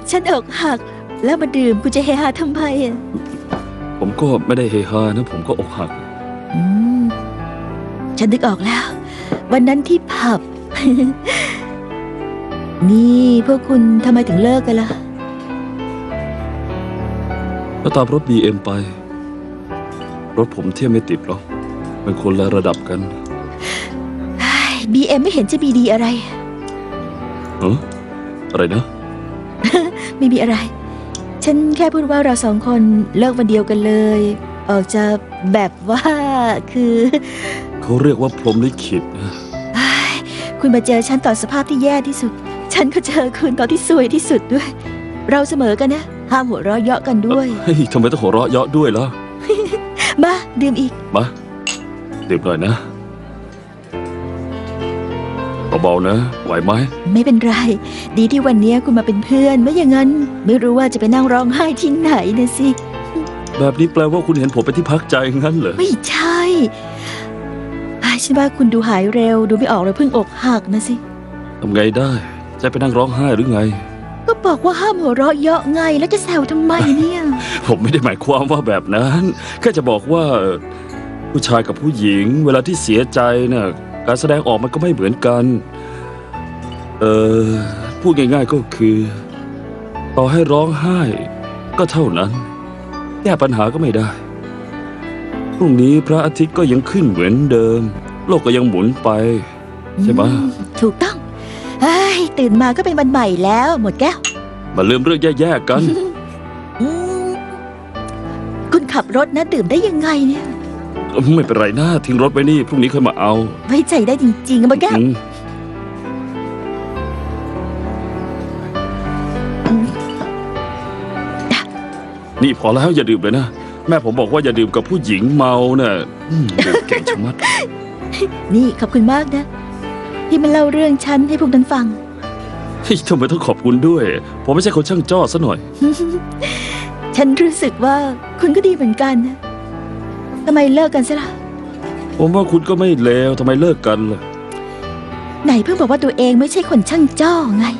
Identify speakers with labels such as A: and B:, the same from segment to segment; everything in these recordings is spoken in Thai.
A: ฉันอกหักแล้วมาดื่มคุณจะเฮฮาทำไมอ่ะ
B: ผมก็ไม่ได้เฮฮานะผมก็อกหัก
A: ฉันนึกออกแล้ว วันนั้นที่ผับ นี่พวกคุณทำไมถึงเลิกกันล่ะ
B: ก็ตามรถ BM ไปรถผมเทียบไม่ติดหรอกเป็นคนละระดับกัน
A: BM ไม่เห็นจะมีดีอะไร
B: อะไรนะ
A: ไม่มีอะไร ฉันแค่พูดว่าเราสองคนเลิกวันเดียวกันเลยออกจะแบบว่าคือ
B: เขาเรียกว่าพรหมลิขิตนะ
A: คุณมาเจอฉันตอนสภาพที่แย่ที่สุดฉันก็เจอคุณตอนที่ซวยที่สุดด้วย เราเสมอกันนะห้ามหัวเราะเยาะกันด้วย
B: เฮ้ยทำไมต้องหัวเราะเยาะด้วยล่ะ
A: มาดื่มอีก
B: มาดื่มหน่อยนะเบาๆนะไหวไหม
A: ไม่เป็นไรดีที่วันนี้คุณมาเป็นเพื่อนไม่อย่างนั้นไม่รู้ว่าจะไปนั่งร้องไห้ที่ไหนนะสิ
B: แบบนี้แปลว่าคุณเห็นผมเป็นที่พักใจงั้นเหรอ
A: ไม่ใช่ฉันว่าคุณดูหายเร็วดูไม่ออกเลยเพิ่งอกหักนะสิ
B: ทำไงได้จะไปนั่งร้องไห้หรือไง
A: ก็บอกว่าห้ามหัวเราะเยาะไงแล้วจะแซวทำไมเนี่ย
B: ผมไม่ได้หมายความว่าแบบนั้นแค่จะบอกว่าผู้ชายกับผู้หญิงเวลาที่เสียใจน่ะการแสดงออกมันก็ไม่เหมือนกันพูดง่ายๆก็คือต่อให้ร้องไห้ก็เท่านั้นแก้ปัญหาก็ไม่ได้พรุ่งนี้พระอาทิตย์ก็ยังขึ้นเหมือนเดิมโลกก็ยังหมุนไปใช่ไหม
A: ถูกต้องตื่นมาก็เป็นวันใหม่แล้วหมดแก้ว
B: มาลืมเรื่องแย่ๆกัน
A: คุณขับรถนะดื่มได้ยังไงเนี่ย
B: ไม่เป็นไรนะทิ้งรถไว้นี่พรุ่งนี้ค่อยมาเอา
A: ไว้ใจได้จริงๆหมดแก้ว
B: นี่พอแล้วอย่าดื่มเลยนะแม่ผมบอกว่าอย่าดื่มกับผู้หญิงเมาเนี่ยเก่งชะมัด
A: นี่ขอบคุณมากนะที่มาเล่าเรื่องฉันให้พวกนั้นฟัง
B: ทำไมต้องขอบคุณด้วยผมไม่ใช่คนช่างจ้อซะหน่อย
A: ฉันรู้สึกว่าคุณก็ดีเหมือนกันนะทำไมเลิกกันซะล่ะ
B: ผมว่าคุณก็ไม่เลวทำไมเลิกกันล่ะ
A: ไหนเพิ่งบอกว่าตัวเองไม่ใช่คนช่างจ้อไง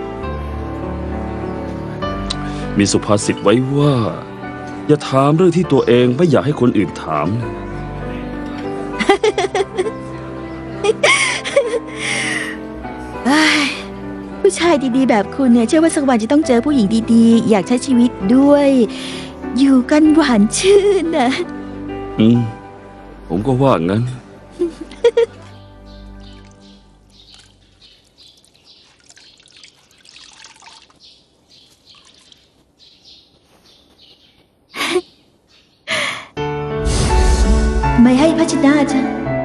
B: มีสุภาษิตไว้ว่าอย่าถามเรื่องที่ตัวเองไม่อยากให้คนอื่นถาม
A: ผู้ชายดีๆแบบคุณเนี่ยเชื่อว่าสักวันจะต้องเจอผู้หญิงดีๆอยากใช้ชีวิตด้วยอยู่กันหวานชื่นนะ
B: ผมก็ว่างั้น
A: ไม่ให้พัชนาจ้ะ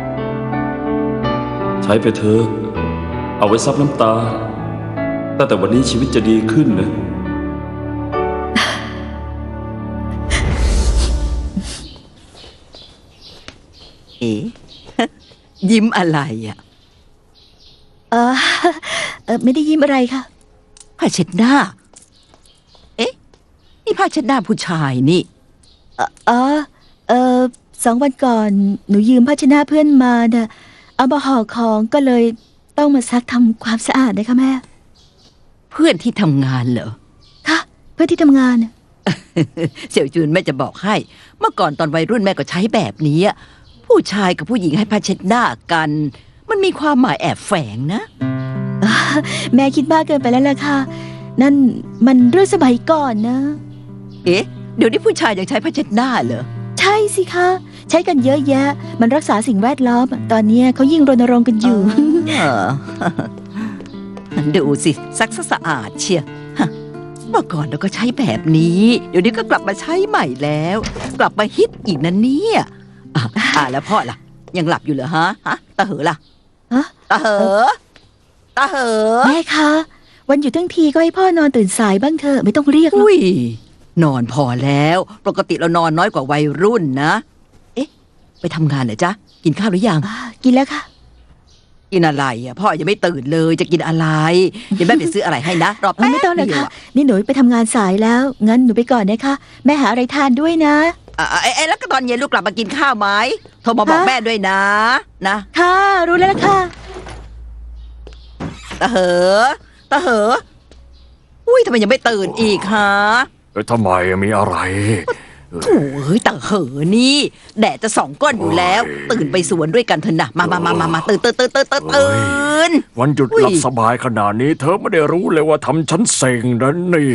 B: ใช้ไปเถอะเอาไว้ซับน้ำตาตั้งแต่วันนี้ชีวิตจะดีขึ้นนะ
C: ยิ้มอะไรอ่ะ
A: ไม่ได้ยิ้มอะไรค่ะ
C: ผ้าเช็ดหน้านี่ผ้าเช็ดหน้าผู้ชายนี่
A: 2 วันก่อนหนูยืมผ้าเช็ดหน้าเพื่อนมาน่ะเอามาห่อของก็เลยต้องมาซักทำความสะอาดนะคะแม่
C: เพื่อนที่ทำงานเหรอ
A: ค่ะเพื่อนที่ทำงาน
C: เสี่ยวจูนแม่จะบอกให้เมื่อก่อนตอนวัยรุ่นแม่ก็ใช้แบบนี้ผู้ชายกับผู้หญิงให้ผ้าเช็ดหน้ากันมันมีความหมายแอบแฝงนะ
A: แม่คิดมากเกินไปแล้วล่ะค่ะนั่นมันเรื่องสมัยก่อนนะ
C: เดี๋ยวนี้ผู้ชายยังใช้ผ้าเช็ดหน้าเหรอ
A: ใช่สิคะใช้กันเยอะแยะมันรักษาสิ่งแวดล้อมตอนนี้เขายิ่งรณรงค์กันอยู่
C: ดูสิซักสะอาดเชียเมื่อก่อนเราก็ใช้แบบนี้เดี๋ยวนี้ก็กลับมาใช้ใหม่แล้วกลับมาฮิตอีกนะเนี่ยแล้วพ่อล่ะยังหลับอยู่เหรอฮะตาเหอล่ะตาเหอ
A: แม่คะวันหยุดทั้งทีก็ให้พ่อนอนตื่นสายบ้างเถอะไม่ต้องเรียกหรอก
C: นอนพอแล้วปกติเรานอนน้อยกว่าวัยรุ่นนะไปทำงานเหรอจ๊ะกินข้าวหรือยัง
A: กินแล้วค่ะ
C: กินอะไรพ่อยังไม่ตื่นเลยจะกินอะไรเดี๋ยวแม่ไปซื้ออะไรให้นะรอแป๊บ
A: ไม่ต้องเลยค่ะนี่หนูไปทำงานสายแล้วงั้นหนูไปก่อนนะคะแม่หาอะไรทานด้วยนะ
C: แล้วก็ตอนเย็นลูกกลับมากินข้าวไหมโทรมาบอกแม่ด้วยนะ
A: ค่ะรู้แล้วค่ะ
C: ตาเหออุ้ยทำไมยังไม่ตื่นอีกฮะ
D: ทำไมมีอะไร
C: โอ้ยแต่เหอะนี่ แดดจะส่องก้นอยู่แล้ว ตื่นไปสวนด้วยกันเถอะนะมาตื่น
D: วันหยุด
C: อุ้ย
D: หลับสบายขนาดนี้ เธอไม่ได้รู้เลยว่าทำฉันเซ็งนะเนี่ย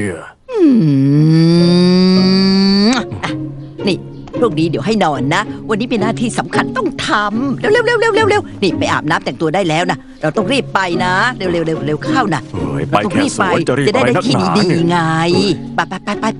C: อ่ะนี่พรุ่งนี้เดี๋ยวให้นอนนะ วันนี้เป็นหน้าที่สำคัญต้องทำเร็วนี่ไปอาบน้ำแต่งตัวได้แล้วนะเราต้องรีบไปนะเร็วเข้านะ
D: เฮ้ยไป
C: เราต้อง
D: แค่สวนจะรีบ
C: จะ
D: ไป
C: ได้
D: นัก
C: ที่
D: หนา
C: ดี
D: เนี่ย
C: ๆไงไป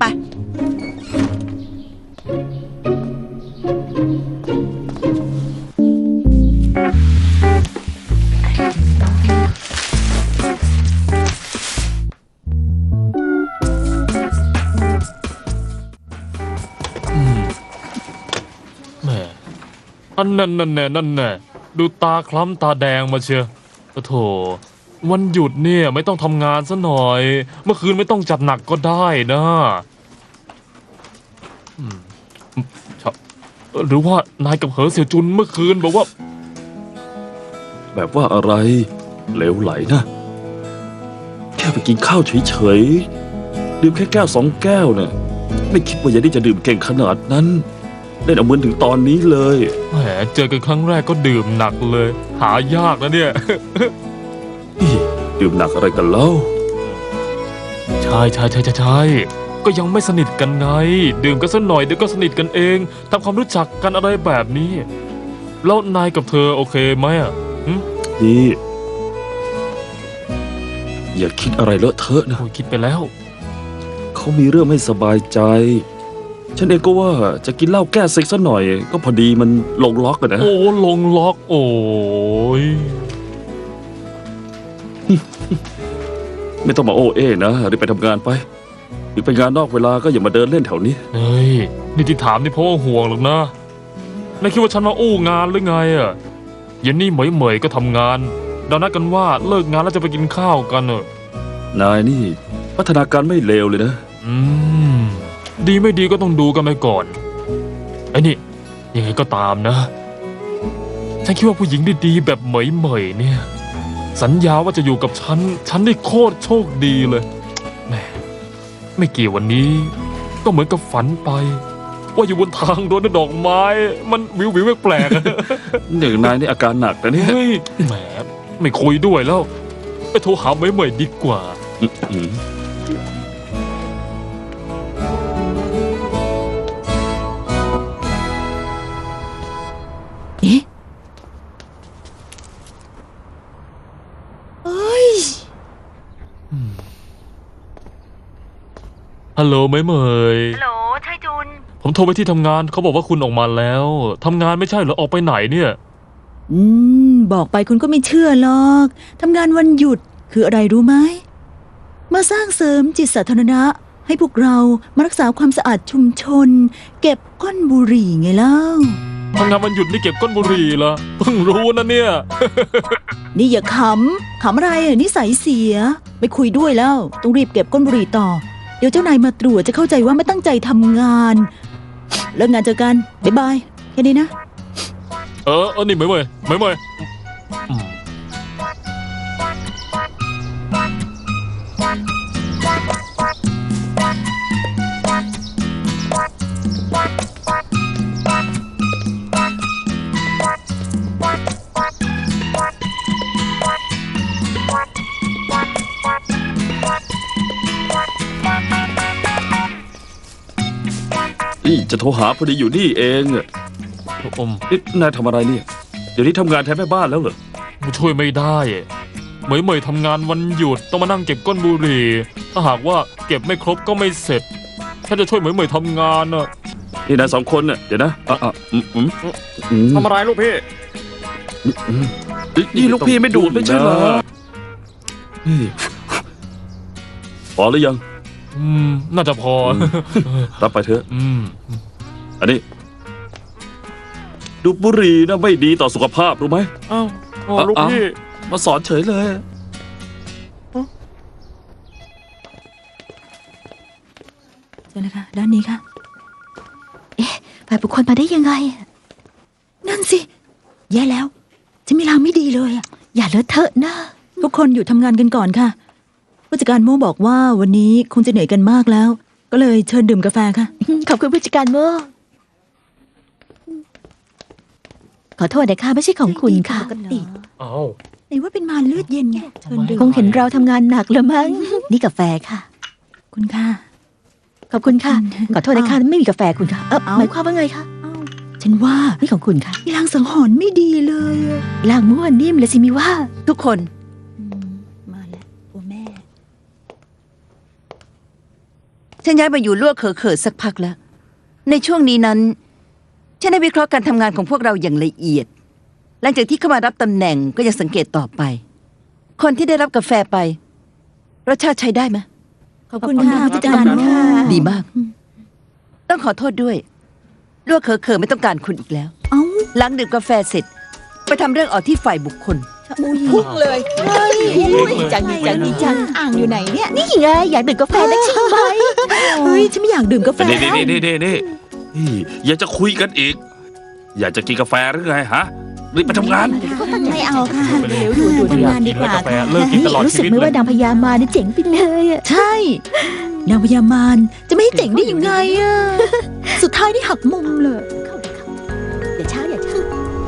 E: แหมอันนั่นแน่ดูตาคล้ำตาแดงมาเชียวโถวันหยุดเนี่ยไม่ต้องทำงานซะหน่อย เมื่อคืนไม่ต้องจัดหนักก็ได้นะอืมครับหรือว่านายกับเหอเสี่ยวจุนเมื่อคืนบอกว่า
B: แบบว่าอะไรเหลวไหลนะ แค่ไปกินข้าวเฉยๆดื่มแค่แก้ว2 แก้วเนี่ยไม่คิดว่ายายนี่จะดื่มเก่งขนาดนั้นเล่นเอาเหมือนถึงตอนนี้เลย
E: แหมเจอกันครั้งแรกก็ดื่มหนักเลย หายากนะเนี่ย
B: นี่ดื่มหนักอะไรกันเล่า
E: ใช่ก็ยังไม่สนิทกันไง ดื่มกันสักหน่อยเดี๋ยวก็สนิทกันเองทำความรู้จักกันอะไรแบบนี้ แล้วนายกับเธอโอเคไหมอ่ะหึ
B: นี่อย่าคิดอะไรเลอะเทอะนะ
E: โอ้ยคิดไปแล้ว
B: เขามีเรื่องไม่สบายใจ ฉันเองก็ว่าจะกินเหล้าแก้เซ็กซะหน่อย ก็พอดีมันลงล็อกกันนะ
E: โอ้ลงล็อกโอ้ย
B: ไม่ต้องมาโอ้เอ้นะรีบไปทำงานไปหรือไปงานนอกเวลาก็อย่ามาเดินเล่นแถวนี้
E: เฮ้ยนี่ที่ถามนี่เพราะว่าห่วงหรอกนะนายคิดว่าฉันมาอู้งานหรือไงอ่ะเย็นนี่เหมยก็ทำงานเรานัดกันว่าเลิกงานแล้วจะไปกินข้าวกันเนอะ
B: นายนี่พัฒนาการไม่เลวเลยนะ
E: อืมดีไม่ดีก็ต้องดูกันไปก่อนไอ้นี่ยังไงก็ตามนะฉันคิดว่าผู้หญิงดีๆแบบเหมยเนี่ย สัญญาว่าจะอยู่กับฉันนี่โคตรโชคดีเลยแหมไม่กี่วันนี้ ก็เหมือนกับฝันไป ว่าอยู่บนทางโดนดอกไม้ มันวิวแปลกๆอะ
B: อย่างนายนี่อาการหนักนะเนี่ย
E: เฮ้ยแหมไม่คุยด้วยแล้ว ไปโทรหาเหมยดีกว่า
B: อืม
A: เอ๊ะเอ้ย
E: ฮัลโหลเหมย
A: ฮัลโหลชายจุน
E: ผมโทรไปที่ทำงานเขาบอกว่าคุณออกมาแล้วทำงานไม่ใช่เหรอออกไปไหนเนี่ย
A: บอกไปคุณก็ไม่เชื่อหรอกทำงานวันหยุดคืออะไรรู้ไหมมาสร้างเสริมจิตสาธารณะให้พวกเรามารักษาความสะอาดชุมชน เก็บก้นบุหรี่ไงเล่า
E: ทำงานวันหยุดนี่เก็บก้นบุหรี่เหรอเพิ่งรู้นะเนี่ย
A: นี่อย่าขำอะไรอ่ะนิสัยเสีย ไม่คุยด้วยแล้ว ต้องรีบเก็บก้นบุหรี่ต่อ เดี๋ยวเจ้านายมาตรวจจะเข้าใจว่าไม่ตั้งใจทำงานเลิกงานเจอกัน บ๊ายบาย แค่นี้นะ
E: นี่เหมยอืม
B: นี่จะโทรหาพอดีอยู่นี่เองอะ
E: อม
B: นี่นายทำอะไรเนี่ย เดี๋ยวนี้ทำงานแทนแม่บ้านแล้วเหรอ
E: ช่วยไม่ได้เหมยทำงานวันหยุดต้องมานั่งเก็บก้นบุหรี่ถ้าหากว่าเก็บไม่ครบก็ไม่เสร็จถ้าจะช่วยเหมยทำงานน่ะ
B: นี่นาย2 คนเนี่ยเดี๋ยวนะ
D: ทำอะไรลูกพี่
B: นี่ลูกพี่ไม่ดูดไม่ใช่เหรอนี่พอหรือยัง
E: น่าจะพอ
B: รับไปเถอะ
E: อืม
B: อันนี้ดูดบุหรี่นะไม่ดีต่อสุขภาพรู้ไหม
E: อ้าวลูกพี่
B: มาสอนเฉยเลย
A: เชิญเลยค่ะ ด้านนี้ค่ะ เอ๊ะฝ่ายบุคคลมาได้ยังไง นั่นสิ แย่แล้ว จะมีลางไม่ดีเลยอะอย่าเลอะเทอะนะ ทุกคนอยู่ทำงานกันก่อนค่ะผู้จัดการโมบอกว่าวันนี้คงจะเหนื่อยกันมากแล้ว ก็เลยเชิญดื่มกาแฟค่ะ
F: ขอบคุณผู้จัดการโมขอโทษนะคะไม่ใช่ของคุณค่ะ
A: ปกติ
E: เอ้า
A: ไหนว่าเป็นมารเลือดเย็นไงเชิญดื่ม
F: คงเห็นเราทำงานหนักแล้วมั้ง นี่กาแฟค่ะ
A: คุณค่ะ
F: ขอบคุณค่ะ ขอโทษนะคะไม่มีกาแฟคุณค่ะ
A: เอ้า
F: หมายความว่าไงคะ
A: ฉันว่า
F: นี่ของคุณค่ะ
A: มีลางสังหรณ์ไม่ดีเลยอะ
F: ลางมั่วนิ่มเลยสิมิว่า
C: ทุกคน
A: มาแล้วตัวแม่
C: ฉันย้ายมาอยู่ลั่วเขอสักพักแล้ว ในช่วงนี้นั้น ฉันได้วิเคราะห์การทำงานของพวกเราอย่างละเอียด หลังจากที่เข้ามารับตำแหน่งก็ยังสังเกตต่อไป คนที่ได้รับกาแฟไปรสชาติใช้ได้ไหม
A: ขอบคุณค่ะผู้จัดการโม
C: ดีมาก ต้องขอโทษด้วยลั่วเขอไม่ต้องการคุณอีกแล้ว
A: เอ้า
C: หลังดื่มกาแฟเสร็จ ไปทำเรื่องออกที่ฝ่ายบุคคล
A: พุ่งเลย
F: เฮ้ยดีจังดีจังดีจัง
A: อ่างอยู่ไหนเนี่ย
F: นี่ไงอยากดื่มกาแฟนักใช่ไหม
A: เฮ้ยฉันไม่อยากดื่มกาแฟ
B: นี่อยากจะคุยกันอีก อยากจะกินกาแฟหรือไงฮะรีบไปทำงาน
A: ไม่เอาค่ะเดี๋ยวดู
E: ไม่
A: ทำ
E: อยาก
A: งานดีกว่า
E: กินแล้วกาแฟ
A: ค่ะ
E: เลิกกินตลอด
F: รู้
E: ชี
F: สึก
E: วิต
F: ไหม
E: เล
F: ว่าย นางพญามาเนี่ยเจ๋งไปเลยอะ
A: ใช่นางพญามารจะไม่ให้เจ๋งได้ยังไงอะสุดท้ายนี่หักมุมเลย
F: อย่าช้าอย่าช้า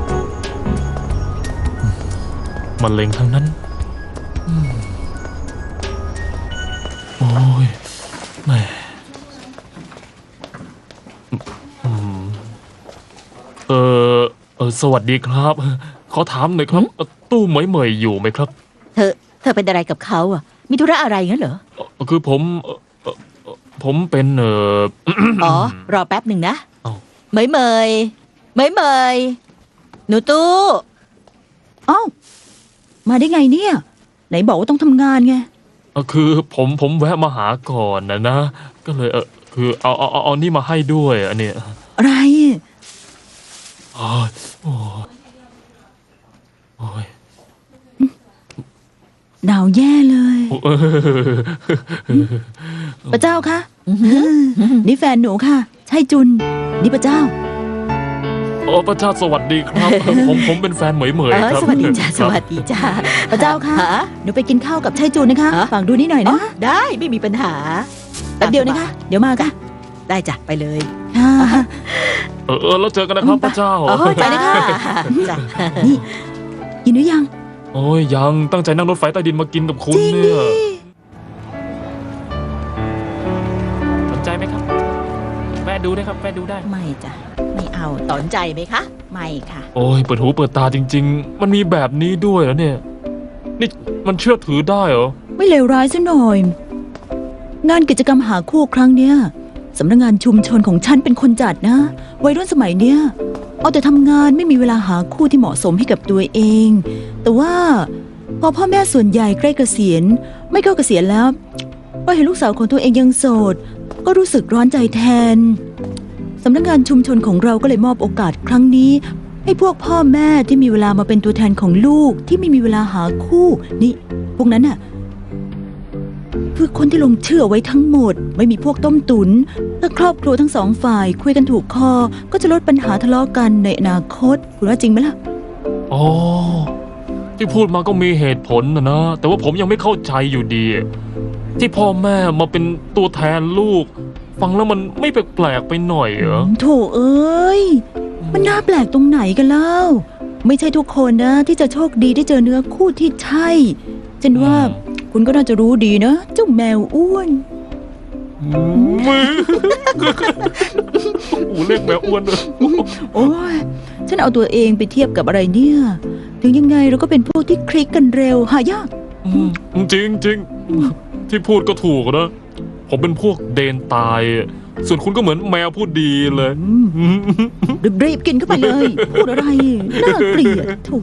E: มันเล็งทั้งนั้นอืมโอ้ยแหม่อืมสวัสดีครับ ขอถามหน่อยครับตู้เหมยๆอยู่ไหมครับ
F: เธอเป็นอะไรกับเขาอ่ะ มีธุระอะไรงั้นเหรอ
E: คือผมเป็น
F: อ๋อ รอแป๊บหนึ่งนะ
E: เอ้า
F: เหมยหนูตู้
A: เอ้ามาได้ไงเนี่ย ไหนบอกว่าต้องทำงานไง
E: คือผมแวะมาหาก่อนนะ ก็เลยคือเอานี่มาให้ด้วยอันเนี้ย
A: อะไร
E: โอ้ยโอ้ย
A: หนาวแย่เลย
E: โอ้ย
A: พระเจ้าคะนี่แฟนหนูค่ะ ใช่จุน นี่พระเจ้า
E: โอ้พระเจ้าสวัสดีครับ ผมเป็นแฟนเหมย
F: เออ
E: ครับ
F: สวัสดีจ้า
E: ค
F: ส
E: รับ
F: วัสดีจ้า
A: พระเจ้าค่ะ
F: ฮะ
A: หนูไปกินข้าวกับใช่จุนนะคะ
F: ฮะ
A: ฝากดูนี่หน่อยนะ
F: ได้ไม่มีปัญหา
A: แป๊บเดียวนะคะ เดี๋ยวมาค่ะ
F: ได้จ้ะไปเลย
A: ค่ะ
E: แล้วเจอกันนะครับพระเจ้า
F: โอ้ยไปเลยค่ะจ้ะ
A: นี่กินหรือยัง
E: โอ้ยยังตั้งใจนั่งรถไฟใต้ดินมากินกับคุณ
A: จริง
E: เนี่
A: ดิ
E: ยสนใจไหมครับแวะดูได้ครับแวะดูได้
F: ไม่จ้ะไม่เอาสนใจไหมคะ ไม่ค่ะ
E: โอ้ยเปิดหูเปิดตาจริง ๆ มันมีแบบนี้ด้วยแล้วเนี่ย นี่มันเชื่อถือได้เหรอ
A: ไม่เลวร้ายซะหน่อย งานกิจกรรมหาคู่ครั้งเนี้ยสำนักงานชุมชนของฉันเป็นคนจัดนะ วัยรุ่นสมัยเนี้ยเอาแต่ทำงานไม่มีเวลาหาคู่ที่เหมาะสมให้กับตัวเอง แต่ว่าพอพ่อแม่ส่วนใหญ่ใกล้เกษียณไม่เข้าเกษียณแล้วก็เห็นลูกสาวของตัวเองยังโสด ก็รู้สึกร้อนใจแทนสำนักงานชุมชนของเราก็เลยมอบโอกาสครั้งนี้ ให้พวกพ่อแม่ที่มีเวลามาเป็นตัวแทนของลูกที่ไม่มีเวลาหาคู่ นี่ พวกนั้นน่ะ คือคนที่ลงเชื่อไว้ทั้งหมด ไม่มีพวกต้มตุนถ้าครอบครัวทั้งสองฝ่ายคุยกันถูกคอ ก็จะลดปัญหาทะเลาะกันในอนาคตคุณว่าจริงไหมล่ะ
E: อ๋อที่พูดมาก็มีเหตุผลนะแต่ว่าผมยังไม่เข้าใจอยู่ดี ที่พ่อแม่มาเป็นตัวแทนลูก ฟังแล้วมันไม่แปลกๆไปหน่อยเหรอ
A: โถเอ้ย มันน่าแปลกตรงไหนกันเล่า ไม่ใช่ทุกคนนะ ที่จะโชคดีได้เจอเนื้อคู่ที่ใช่ฉันว่าคุณก็น่าจะรู้ดีนะเจ้าแมวอ้วน
E: อูเรียกแมวอ้วนเลย
A: โอ้ยฉันเอาตัวเองไปเทียบกับอะไรเนี่ย ถึงยังไงเราก็เป็นพวกที่คลิกกันเร็วหายาก
E: จริงที่พูดก็ถูกนะ ผมเป็นพวกเดนตาย ส่วนคุณก็เหมือนแมวพูดดีเลย
A: รีบๆกินเข้าไปเลย พูดอะไร น่าเกลียดถูก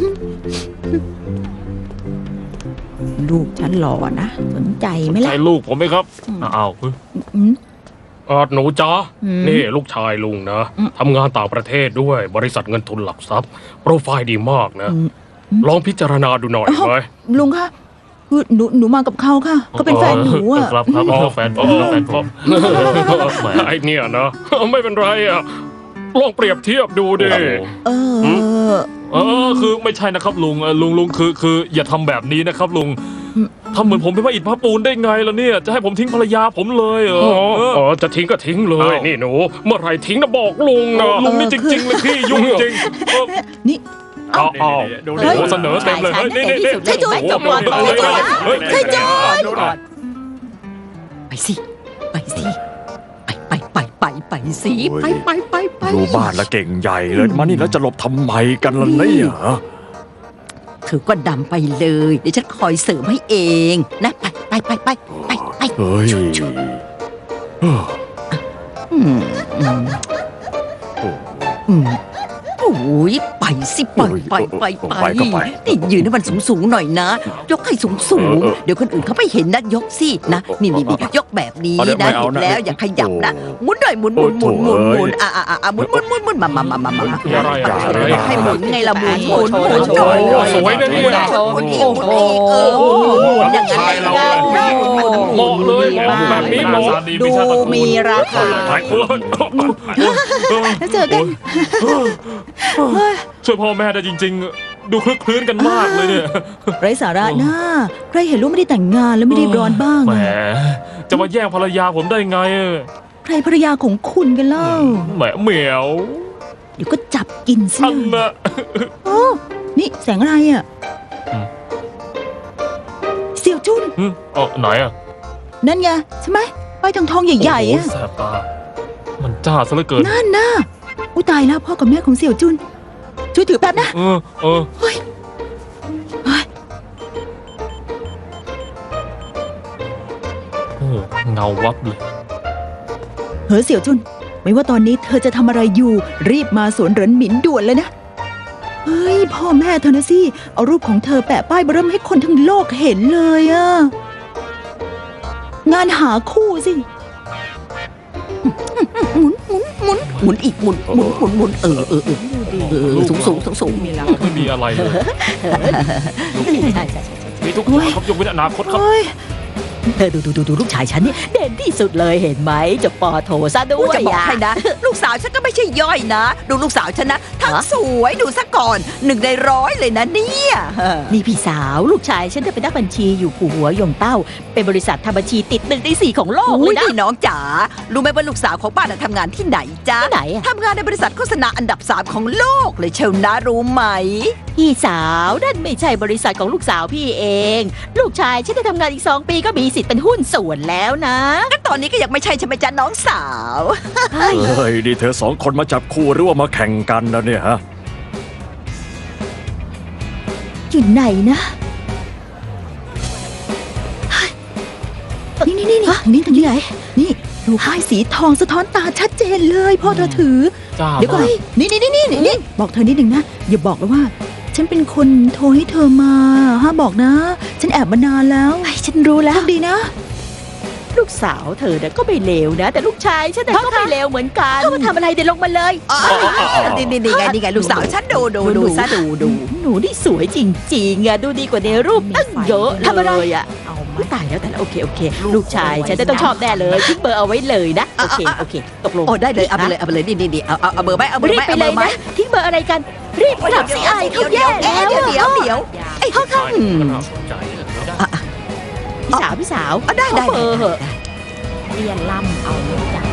A: ลูกฉันหล่อนะ สนใจไหมล่ะ
E: ใช่ลูกผมไหมครับอ้าว
A: อืม
D: หนูจ๊ะ
A: อืม
D: นี่ลูกชายลุงนะ
A: อืม
D: ทำงานต่างประเทศด้วยบริษัทเงินทุนหลักทรัพย์ โปรไฟล์ดีมากนะ
A: อืม
D: ลองพิจารณาดูหน่อยไหม
A: ลุงคะคือหนูมากับเขาค่ะ ก็เป็นแฟนหนูอ่ะ
E: ครับแฟนผมแฟนผม
D: ไอ้เนี่ยนะ ไม่เป็นไรอ่ะ ลองเปรียบเทียบดูดิ
A: เออ
E: คือไม่ใช่นะครับลุงลุงคืออย่าทำแบบนี้นะครับลุงทำเหมือนผมเป็นพระอิฐพระปูนได้ไงล่ะเนี่ย จะให้ผมทิ้งภรรยาผมเลยเหรอ
D: อ๋อจะทิ้งก็ทิ้งเลย
E: อ้าว
D: นี่หนู เมื่อไหรทิ้งนะบอกลุงนะ
E: ลุงนี่จริงๆเลยพี่ยุ่งจริงเออ
A: นี่
E: เอาเอา
D: ดู
E: โอ้โหเสนอเต็มเลยเฮ้ยนี่นี่นี่
F: ใช่จุ๊บ
E: โอ้โห
F: จบก่อน
E: เฮ้ย
F: จบก่อน
E: เฮ้ย
A: ใช่จุ๊บ
C: ไปสิ ไปสิ ไปสิ ไป
G: ดูบ้านแล้วเก่งใหญ่เลยมานี่แล้วจะหลบทำไมกันล่ะเนี่ยฮะ
C: เธอก็ดำไปเลย เดี๋ยวฉันคอยเสริมให้เองนะ ไป
G: เฮ้ย
C: อืมโอ้ยไปสิไป
G: ไปก็ไป
C: นี่ยืนให้มันสูงๆหน่อยนะ ยกให้สูงๆเดี๋ยวคนอื่นเขาไม่เห็นนะยกสินะนี่ยกแบบนี้นะเห็นแล้วอย่าขยับนะหมุนหน่อยหมุนหมุนหมุนอ่ะหมุนมาให้หมุนไงล่ะหมุน
D: สวยนะเนี่ย
C: หมุนอีกหมุนอย่างนั้นเลย
D: เหมาะเลยแบบนี้เหมาะ
E: ดูมีราคา
D: หลายคน
A: แล้วเจอกัน
E: ช่วยพ่อแม่ได้จริงๆ ดูคลึกคลื้นกันมากเลยเนี่ย
A: ไร้สาระนะใครเห็นลูกไม่ได้แต่งงานแล้วไม่ได้ร้อนบ้าง
E: แหม
A: อะ
E: จะมาแย่งภรรยาผมได้ไง
A: ใครภรรยาของคุณกันเล่า
E: แหมเหมียว
A: เดี๋ยวก็จับกินซิ
E: อันน่ะ
A: โอ้นี่แสงอะไรอ่ะ
E: อืม
A: เสี่ยวจุน
E: ไหนอ่ะ
A: นั่นไงใช่ไหมป้ายทองใหญ่ๆ
E: โอ้
A: อ่ะ
E: โหแสบตา มันจ้าซะเหลือเกิน
A: นั่นน่ะอุ้ยตายแล้วพ่อกับแม่ของเสี่ยวจุน ช่วยถือแป๊บนะ
E: เออ
A: เฮ้ยเฮ้ย
E: โอ้เงาวับเลย
A: เฮ้ยเสี่ยวจุน ไม่ว่าตอนนี้เธอจะทำอะไรอยู่ รีบมาสวนเหรินหมินด่วนเลยนะ เฮ้ยพ่อแม่เธอนะสิ เอารูปของเธอแปะป้ายเบอร์เริ่มให้คนทั้งโลกเห็นเลยอะงานหาคู่สิ
C: หมุนอีกหมุนสูง
E: ไม่มีอะไรเลย มีทุกอย่างครับยกเว้นอนาคตครับ
A: เฮ้ย
F: เธอดูลูกชายฉันนี่เด่นที่สุดเลยเห็นไหมจะปอโถซะด้
C: กู
F: วย
C: จะบอกให้นะ ลูกสาวฉันก็ไม่ใช่ย่อยนะ ดูลูกสาวฉันนะ ทั้งสวยดูซะก่อน1 ใน 100เลยนะเนี่ย
F: นี่พี่สาวลูกชายฉันเป็นนักบัญชีอยู่ผู้หัวยงเต้า เป็นบริษัททำบัญชีติด1 ใน 4ของโลกเล
C: อุ้ย
F: ยนะ
C: นี่น้องจ๋ารู้ไหมว่าลูกสาวของป้าน่ะทำงานที่ไหนจ๊ะ
F: ที่ไหนอะ
C: ทำงานในบริษัทโฆษณาอันดับ 3 ของโลกเลยเชียวนะรู้ไหม
F: พี่สาวนั่นไม่ใช่บริษัทของลูกสาวพี่เอง ลูกชายฉันได้ทำงานอีก2 ปีก็มีสิทธิ์เป็นหุ้นส่วนแล้วนะ
C: ก็ตอนนี้ก็ยังไม่ใช่ใช่ไหมจ๊ะน้องสาว
G: เฮ้ยนี่เธอ2 คนมาจับคู่หรือว่ามาแข่งกันนะเนี่ยฮะ
F: อยู่ไหนนะ
A: นี่ทางนี้ไหนนี่ดูป้ายสีทองสะท้อนตาชัดเจนเลยพ่อเธอถือ
E: จ้า
A: เดี๋ยวก่อนนี่บอกเธอนิดหนึ่งนะ อย่าบอกเลยว่า ฉันเป็นคนโทรให้เธอมาห้ามบอกนะ ฉันแอบมานานแล้ว
F: ไอ้ฉันรู้แล้ว
A: โชคดีนะ
F: ลูกสาวเธอเนี่ยก็ไม่เลวนะ แต่ลูกชายฉันเนี่ยก็ไม่เลวเหมือนกันเขามาทำอะไรเดี๋ยวลงมาเลย
C: นี่ไงลูกสาวฉันดูซะดู
F: หนูนี่สวยจริงๆอะดูดีกว่าในรูปตั้งเยอะ
A: ทำอะไร
F: เลยอะอุ๊ยตายแล้วแต่ละโอเค ลูกชายฉันจะต้องชอบแน่เลยทิ้งเบอร์เอาไว้เลยนะโอเคตกลง
C: โอ้ได้เลยเอาไปเลยนี่เอาเบอร์ไหมเอาเบอร์
F: รี
C: ไห
F: บ
C: ม
F: ไป
C: เอา
F: เล
C: เบอย ร์ไหม
F: นะทิ้งเบอร์อะไรกัน รีบกลับสิอายเขาแย่แล้ว
C: เดี๋ยวไอ้ข้าง
F: พี่สาว
C: ได้
F: ขอเบอร์เหอะ
H: เรียนล่ำเอาเลยจ้ะ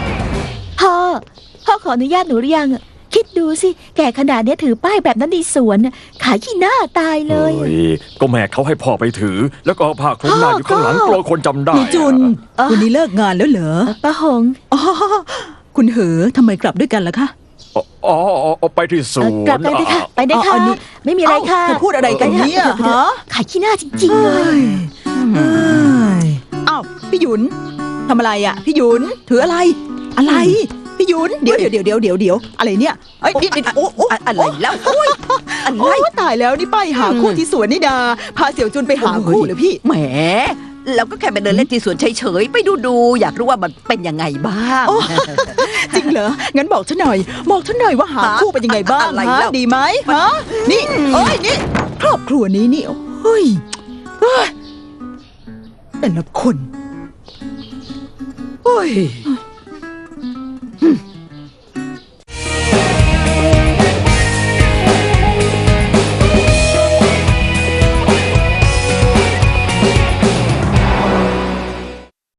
F: พ่อขออนุญาตหนูหรือยังอะคิดดูสิแก่ขนาดเนี้ยถือป้ายแบบนั้นในสวนน่ะขายขี้หน้าตายเลย
G: เฮ้ยก็แม่เขาให้พ่อไปถือ แล้วก็เอาผ้าคลุมหน้าอยู่ข้างหลังกลัวคนจำได้
A: นี่จุน
F: อ่ะ
A: วันนี้เลิกงานแล้วเหรอ
F: ป้าหง
A: อ๋อคุณเหอทำไมกลับด้วยกันล่ะคะ
G: อ๋อไปที่สวน
F: กลับไปเลยค่ะไปได้ค่ะ
A: อ๋อนี่
F: ไม่มีอะไรค่ะ
A: เธอพูดอะไรกันเนี่ยฮะ
F: ขายขี้หน้าจริงๆเลย
A: เอ้ยอ้าวพี่หยุนทำอะไรอ่ะ พี่หยุนถืออะไร อะไร พี่หยุนเดี๋ยวอะไรเนี่ยเอ้ยนี่โอ้
C: อะไรแล้วโอ้ยอะไร
A: โอ้ตายแล้วนี่ป้ายหาคู่ที่สวนนี่ดาพาเสี่ยวจุนไปหาคู่เหรอพี่
C: แหมเราก็แค่ไปเดินเล่นที่สวนเฉยๆไปดูอยากรู้ว่ามันเป็นยังไงบ้าง
A: โอ้ จริงเหรอ งั้นบอกฉันหน่อยว่าหาคู่เป็นยังไงบ้าง
C: อะไร
A: ฮะ
C: แล้ว
A: ดีไหมฮะ นี่เอ้ยนี่ ครอบครัวนี้นี่เฮ้ยแต่ละคนเฮ้ย